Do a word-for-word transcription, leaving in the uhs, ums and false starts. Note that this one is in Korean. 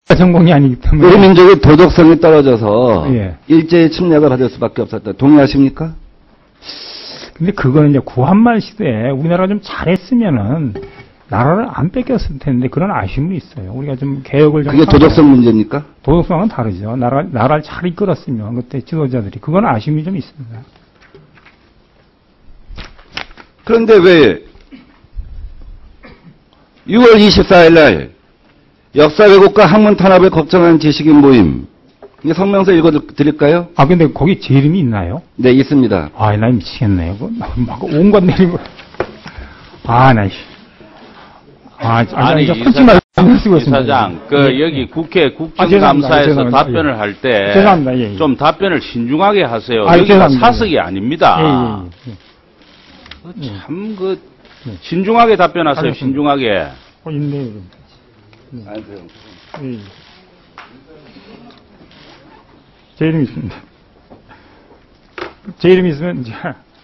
전공이 아니기 때문에. 우리 민족의 도덕성이 떨어져서 예. 일제히 침략을 받을 수밖에 없었다. 동의하십니까? 근데 그거는 이제 구한말 시대에 우리나라가 좀 잘했으면은 나라를 안 뺏겼을 텐데 그런 아쉬움이 있어요. 우리가 좀 개혁을 좀. 그게 도덕성 문제입니까? 도덕성은 다르죠. 나라, 나라를 잘 이끌었으면 그때 지도자들이. 그건 아쉬움이 좀 있습니다. 그런데 왜 유월 이십사일 날 역사 왜곡과 학문 탄압을 걱정하는 지식인 모임. 이게 성명서 읽어드릴까요? 아, 근데 거기 제 이름이 있나요? 네, 있습니다. 아, 나 미치겠네. 그거 막 온갖 내리고. 아, 나, 씨. 아, 아니, 아니, 이제 이 솔직히 사장, 말씀 쓰고 이 있습니다. 사장, 그, 예, 여기 예. 국회 아, 죄송합니다. 국정감사에서 죄송합니다. 답변을 예. 할 때. 죄송합니다. 예, 예. 좀 답변을 신중하게 하세요. 아, 여기가 죄송합니다. 사석이 아닙니다. 예, 예, 예. 참, 그, 예. 신중하게 답변하세요, 알겠습니다. 신중하게. 어, 있네요. 네. 예. 제 이름이 있습니다. 제 이름이 있으면, 이제,